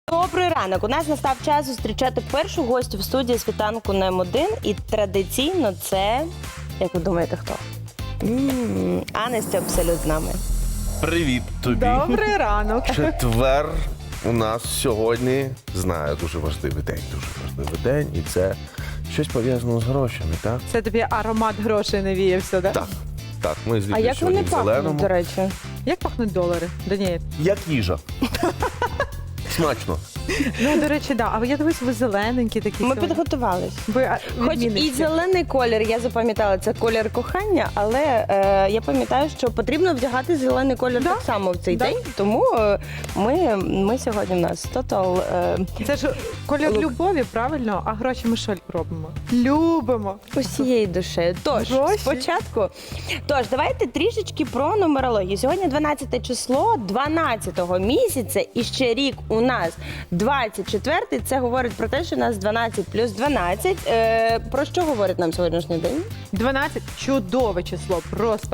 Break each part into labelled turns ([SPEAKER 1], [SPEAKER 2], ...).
[SPEAKER 1] Добрий ранок. У нас настав час зустрічати першу гостю в студії «Світанку на М1». І традиційно це, як ви думаєте, хто? Анесті Абсолют з нами.
[SPEAKER 2] Привіт тобі.
[SPEAKER 3] Добрий ранок.
[SPEAKER 2] Четвер у нас сьогодні, знаю, дуже важливий день. І це щось пов'язане з грошами, так?
[SPEAKER 3] Це тобі аромат грошей навіявся, так?
[SPEAKER 2] Так, ми з
[SPEAKER 1] А як вони
[SPEAKER 2] сьогодні в
[SPEAKER 1] пахнуть,
[SPEAKER 2] зеленому.
[SPEAKER 1] до речі?
[SPEAKER 3] Як пахнуть долари, Даніель?
[SPEAKER 2] Як їжа. Смачно.
[SPEAKER 3] Ну, до речі, да. А я дивись, ви зелененькі такі
[SPEAKER 1] Ми
[SPEAKER 3] сьогодні.
[SPEAKER 1] підготувались.
[SPEAKER 3] Ви
[SPEAKER 1] Хоч і
[SPEAKER 3] відмінниці.
[SPEAKER 1] зелений колір, я запам'ятала, це колір кохання, але я пам'ятаю, що потрібно вдягати зелений колір
[SPEAKER 3] Да.
[SPEAKER 1] так само в цей
[SPEAKER 3] Да.
[SPEAKER 1] день, тому ми сьогодні в нас тотал.
[SPEAKER 3] Це ж колір
[SPEAKER 1] Лук.
[SPEAKER 3] любові, правильно? А гроші ми що робимо? Любимо.
[SPEAKER 1] Усією душею. Тож,
[SPEAKER 3] Гроші.
[SPEAKER 1] спочатку. Давайте трішечки про нумерологію. Сьогодні 12 число 12-го місяця, і ще рік у нас 24-й. Це говорить про те, що у нас 12 плюс 12. Про що говорить нам сьогоднішній день?
[SPEAKER 3] 12 – чудове число, просто.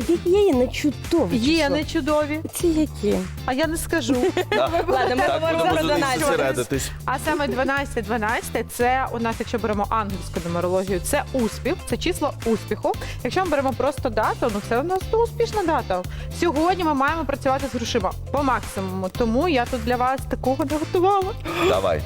[SPEAKER 1] Є не чудове
[SPEAKER 3] Є
[SPEAKER 1] число.
[SPEAKER 3] не чудові,
[SPEAKER 1] Це які?
[SPEAKER 3] а я не скажу.
[SPEAKER 1] Ладно, ми
[SPEAKER 2] Так,
[SPEAKER 1] говоримо
[SPEAKER 2] будемо
[SPEAKER 1] про
[SPEAKER 2] за них
[SPEAKER 1] 12.
[SPEAKER 2] зосередитись.
[SPEAKER 3] А саме 12 – це у нас, якщо беремо ангельську нумерологію, це успіх, це число успіху. Якщо ми беремо просто дату, ну це у нас успішна дата. Сьогодні ми маємо працювати з грошима по максимуму, тому я тут для вас такого не готувала.
[SPEAKER 2] Давай.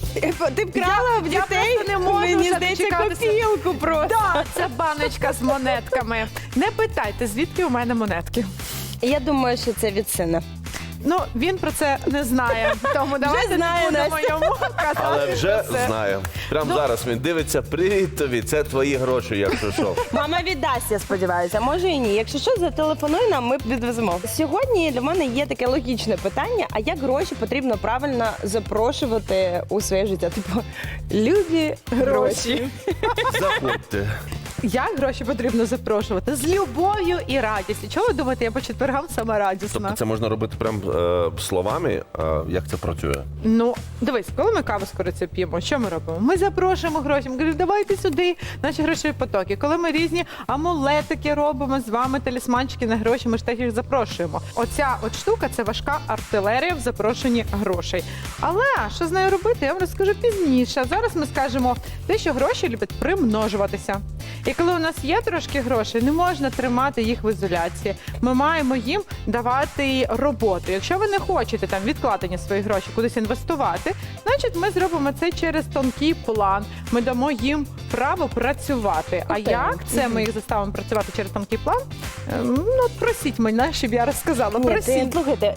[SPEAKER 1] Ти вкрала в
[SPEAKER 3] я
[SPEAKER 1] дітей?
[SPEAKER 3] просто не можу
[SPEAKER 1] Мені
[SPEAKER 3] вже
[SPEAKER 1] здається,
[SPEAKER 3] дочекатися.
[SPEAKER 1] копілку просто.
[SPEAKER 3] Так, це баночка з монетками. Не питайте, звідки у мене монетки.
[SPEAKER 1] Я думаю, що це від сина.
[SPEAKER 3] Ну, він про це не знає, тому давайте
[SPEAKER 1] знає,
[SPEAKER 3] не будемо йому казати
[SPEAKER 2] Але вже
[SPEAKER 3] про це.
[SPEAKER 2] знаю. Прямо
[SPEAKER 3] Ну.
[SPEAKER 2] зараз він дивиться, привіт тобі, це твої гроші, якщо що.
[SPEAKER 1] Мама віддасть, я сподіваюся, може і ні. Якщо що, зателефонуй нам, ми відвеземо. Сьогодні для мене є таке логічне питання: а як гроші потрібно правильно запрошувати у своє життя? Типу, любі гроші.
[SPEAKER 2] Заходьте.
[SPEAKER 3] Як гроші потрібно запрошувати? З любов'ю і радістю. Чого ви думаєте, я по четвергам сама радісна?
[SPEAKER 2] Тобто це можна робити прям словами, як це працює?
[SPEAKER 3] Ну, дивись, коли ми каву з корицею п'ємо, що ми робимо? Ми запрошуємо гроші, ми говоримо, давайте сюди, наші грошові потоки. Коли ми різні амулетики робимо з вами, талісманчики на гроші, ми ж теж їх запрошуємо. Оця от штука – це важка артилерія в запрошенні грошей. Але що з нею робити, я вам розкажу пізніше. Зараз ми скажемо те, що гроші люблять примножуватися. І коли у нас є трошки грошей, не можна тримати їх в ізоляції. Ми маємо їм давати роботу. Якщо ви не хочете там відкладені свої гроші кудись інвестувати, значить ми зробимо це через тонкий план. Ми дамо їм право працювати. А
[SPEAKER 1] Окей.
[SPEAKER 3] як це ми їх заставимо працювати через тонкий план? Ну, от просіть мене, щоб я розказала.
[SPEAKER 1] Ні,
[SPEAKER 3] Просіть.
[SPEAKER 1] слухайте,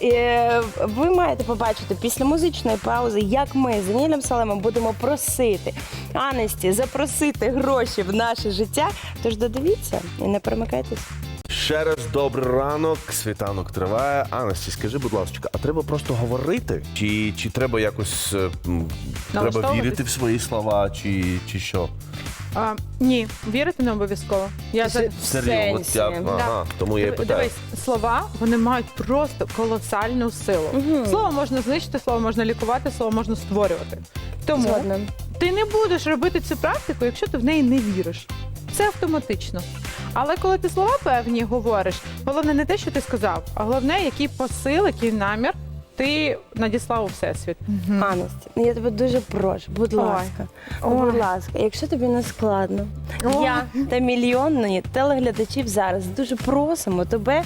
[SPEAKER 1] ви маєте побачити після музичної паузи, як ми з Даніелем Салемом будемо просити Анесті запросити гроші в наше життя. Тож додивіться і не перемикайтесь.
[SPEAKER 2] Ще раз добрий ранок, світанок триває. Анасті, скажи, будь ласка, а треба просто говорити? Чи треба якось треба
[SPEAKER 3] Налаштовуватись?
[SPEAKER 2] вірити в свої слова, чи що?
[SPEAKER 3] Ні, вірити не обов'язково. Я за...
[SPEAKER 2] Серйозно, от я,
[SPEAKER 1] сенсі.
[SPEAKER 2] ага, тому я і питаю.
[SPEAKER 3] Дивись, слова, вони мають просто колосальну силу. Слово можна знищити, слово можна лікувати, слово можна створювати. Тому
[SPEAKER 1] Згодна.
[SPEAKER 3] ти не будеш робити цю практику, якщо ти в неї не віриш. Це автоматично. Але коли ти слова певні говориш, головне не те, що ти сказав, а головне, який посил, який намір ти надіслав у всесвіт.
[SPEAKER 1] Анесті, я тебе дуже прошу, будь
[SPEAKER 3] Ой.
[SPEAKER 1] ласка,
[SPEAKER 3] Ой.
[SPEAKER 1] будь ласка, якщо тобі не складно,
[SPEAKER 3] Ой.
[SPEAKER 1] я та мільйонні телеглядачів зараз дуже просимо тебе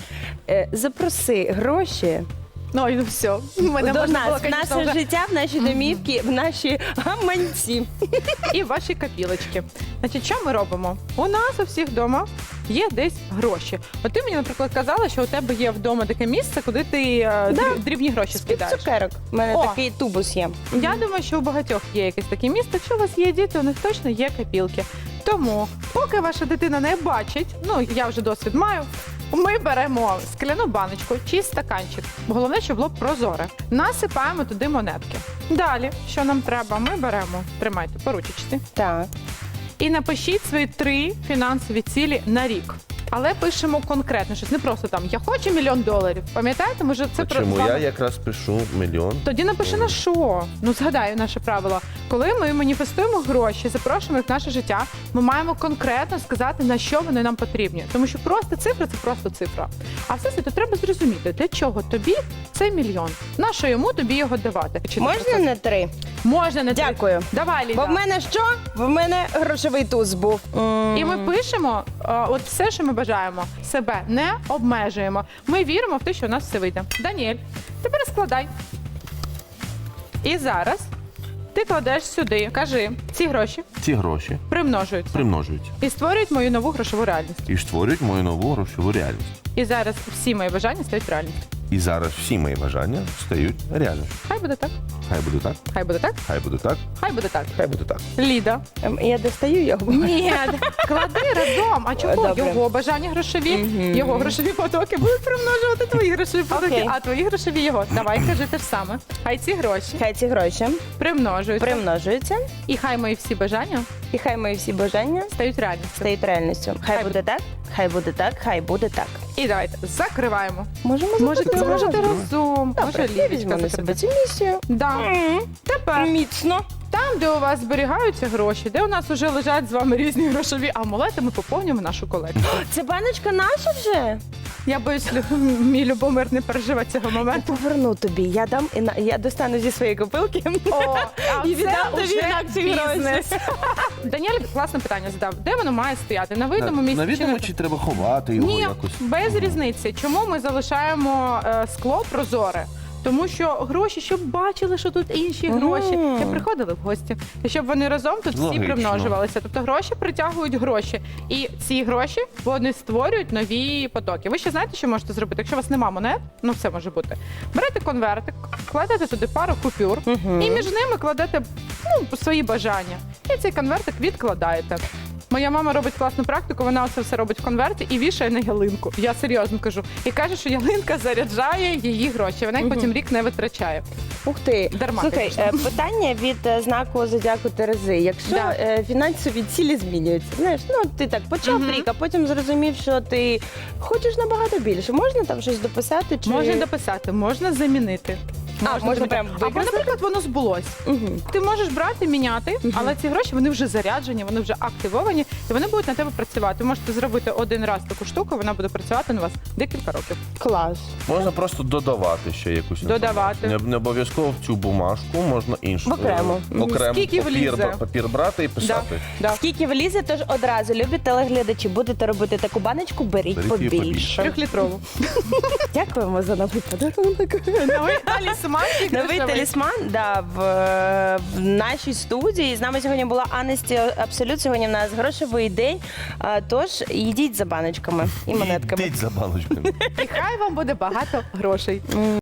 [SPEAKER 1] запроси гроші
[SPEAKER 3] Ну і все. Мене
[SPEAKER 1] до
[SPEAKER 3] можна було,
[SPEAKER 1] нас, в
[SPEAKER 3] звісно,
[SPEAKER 1] наше
[SPEAKER 3] вже-
[SPEAKER 1] життя, в наші домівки, в наші гаманці.
[SPEAKER 3] і ваші копілочки. Значить, що ми робимо? У нас у всіх вдома є десь гроші. От ти мені, наприклад, казала, що у тебе є вдома таке місце, куди ти дрібні гроші
[SPEAKER 1] Під
[SPEAKER 3] скидаєш.
[SPEAKER 1] цукерок. У мене
[SPEAKER 3] О.
[SPEAKER 1] такий тубус є.
[SPEAKER 3] Я думаю, що у багатьох є якесь таке місце. Якщо у вас є діти, у них точно є копілки. Тому, поки ваша дитина не бачить, ну я вже досвід маю, ми беремо скляну баночку чи стаканчик. Головне, щоб було прозоре. Насипаємо туди монетки. Далі, що нам треба, ми беремо, тримайте по ручечці,
[SPEAKER 1] Так.
[SPEAKER 3] і напишіть свої 3 фінансові цілі на рік. Але пишемо конкретно щось, не просто там «я хочу $1 мільйон». Пам'ятаєте? Може, це
[SPEAKER 2] Чому
[SPEAKER 3] з вами-
[SPEAKER 2] я якраз пишу мільйон?
[SPEAKER 3] Тоді напиши на що. Ну, згадай наше правило. Коли ми маніфестуємо гроші, запрошуємо їх в наше життя, ми маємо конкретно сказати, на що вони нам потрібні. Тому що просто цифра – це просто цифра. А все це треба зрозуміти, для чого тобі цей мільйон. На що йому тобі його давати? Чи
[SPEAKER 1] Можна не 3?
[SPEAKER 3] Можна не
[SPEAKER 1] Дякую.
[SPEAKER 3] Давай, Ліда.
[SPEAKER 1] Бо в мене що? В мене грошовий туз був.
[SPEAKER 3] І ми пишемо от все, що ми бажаємо. Себе не обмежуємо. Ми віримо в те, що у нас все вийде. Даніель, тепер складай. І зараз ти кладеш сюди, кажи, ці гроші
[SPEAKER 2] Ці гроші
[SPEAKER 3] примножуються
[SPEAKER 2] примножуються
[SPEAKER 3] і створюють мою нову грошову реальність.
[SPEAKER 2] і створюють мою нову грошову реальність.
[SPEAKER 3] І зараз всі мої бажання стають реальністю.
[SPEAKER 2] І зараз всі мої бажання стають реальністю.
[SPEAKER 3] Хай буде так,
[SPEAKER 2] Хай буде так,
[SPEAKER 3] хай буде так,
[SPEAKER 2] хай буде так,
[SPEAKER 3] хай буде так.
[SPEAKER 2] хай буде так.
[SPEAKER 3] Ліда.
[SPEAKER 1] Я достаю його.
[SPEAKER 3] Ні, клади разом. А чого?
[SPEAKER 1] Добре.
[SPEAKER 3] Його бажання грошові, його грошові потоки будуть примножувати твої грошові потоки,
[SPEAKER 1] Окей.
[SPEAKER 3] а твої грошові його. Давай, кажи те ж саме. Хай ці гроші
[SPEAKER 1] Хай ці гроші
[SPEAKER 3] примножуються.
[SPEAKER 1] примножуються,
[SPEAKER 3] І хай мої всі бажання
[SPEAKER 1] і хай мої всі бажання
[SPEAKER 3] стають реальністю.
[SPEAKER 1] стають реальністю. Хай буде так, хай буде так, хай буде так.
[SPEAKER 3] І давайте закриваємо.
[SPEAKER 1] Можемо
[SPEAKER 3] Можете
[SPEAKER 1] запитати?
[SPEAKER 3] разом.
[SPEAKER 1] Добре,
[SPEAKER 3] Може,
[SPEAKER 1] я візьму
[SPEAKER 3] Лілічка
[SPEAKER 1] на себе
[SPEAKER 3] закриє.
[SPEAKER 1] цю місію.
[SPEAKER 3] Да. Тепер
[SPEAKER 1] Міцно.
[SPEAKER 3] там, де у вас зберігаються гроші, де у нас вже лежать з вами різні грошові амулети, ми поповнюємо нашу колекцію.
[SPEAKER 1] Це баночка наша вже?
[SPEAKER 3] Я боюсь, мій Любомир не переживе цього моменту.
[SPEAKER 1] Поверну тобі. Я дам я достану зі своєї копилки. І віддам тобі інакші гроші.
[SPEAKER 3] Даніель класне питання задав. Де воно має стояти? На видному місці?
[SPEAKER 2] На
[SPEAKER 3] чи
[SPEAKER 2] відомо,
[SPEAKER 3] на-
[SPEAKER 2] чи треба ховати його
[SPEAKER 3] Ні,
[SPEAKER 2] якось?
[SPEAKER 3] без різниці. Чому ми залишаємо скло прозоре? Тому що гроші, щоб бачили, що тут інші гроші, і приходили в гості. І щоб вони разом тут всі
[SPEAKER 2] Логічно.
[SPEAKER 3] примножувалися. Тобто гроші притягують гроші. І ці гроші вони створюють нові потоки. Ви ще знаєте, що можете зробити? Якщо у вас нема монет, ну все може бути. Берете конвертик, кладете туди пару купюр, і між ними кладете свої бажання. І цей конвертик відкладаєте. Моя мама робить класну практику, вона оце все робить в конверті і вішає на ялинку. Я серйозно кажу. І каже, що ялинка заряджає її гроші. Вона їх потім рік не витрачає.
[SPEAKER 1] Ух ти.
[SPEAKER 3] Дарма,
[SPEAKER 1] Слухай,
[SPEAKER 3] звісно.
[SPEAKER 1] питання від знаку зодіаку Терези. Якщо
[SPEAKER 3] Да.
[SPEAKER 1] фінансові цілі змінюються, знаєш, ну ти так почав рік, а потім зрозумів, що ти хочеш набагато більше. Можна там щось дописати? Чи...
[SPEAKER 3] Можна дописати, можна замінити.
[SPEAKER 1] можна
[SPEAKER 3] замінити.
[SPEAKER 1] прям
[SPEAKER 3] Або,
[SPEAKER 1] використати?
[SPEAKER 3] наприклад, воно збулось. Ти можеш брати, міняти, але ці гроші вони вже заряджені, вони вже активовані, і вони будуть на тебе працювати. Ви можете зробити один раз таку штуку, вона буде працювати на вас декілька років.
[SPEAKER 1] Клас.
[SPEAKER 2] Можна просто додавати ще якусь
[SPEAKER 3] Додавати.
[SPEAKER 2] інформацію. Не обов'язково в цю бумажку, можна іншу.
[SPEAKER 1] Окремо.
[SPEAKER 2] Окремо
[SPEAKER 3] Скільки влізе.
[SPEAKER 2] папір брати і писати.
[SPEAKER 3] Да.
[SPEAKER 1] Скільки влізе, тож одразу любі телеглядачі, будете робити таку баночку, беріть
[SPEAKER 2] Беріть її
[SPEAKER 1] побільше.
[SPEAKER 3] 3-літрову.
[SPEAKER 1] Дякуємо за новий подарунок.
[SPEAKER 3] Новий талісманчик
[SPEAKER 1] Новий
[SPEAKER 3] грошовий.
[SPEAKER 1] талісман в нашій студії. З нами сьогодні була Анесті Абсолют. Сьогодні в нас грошовий день. Тож йдіть за баночками і монетками.
[SPEAKER 2] Йдіть за баночками.
[SPEAKER 3] І хай вам буде багато грошей.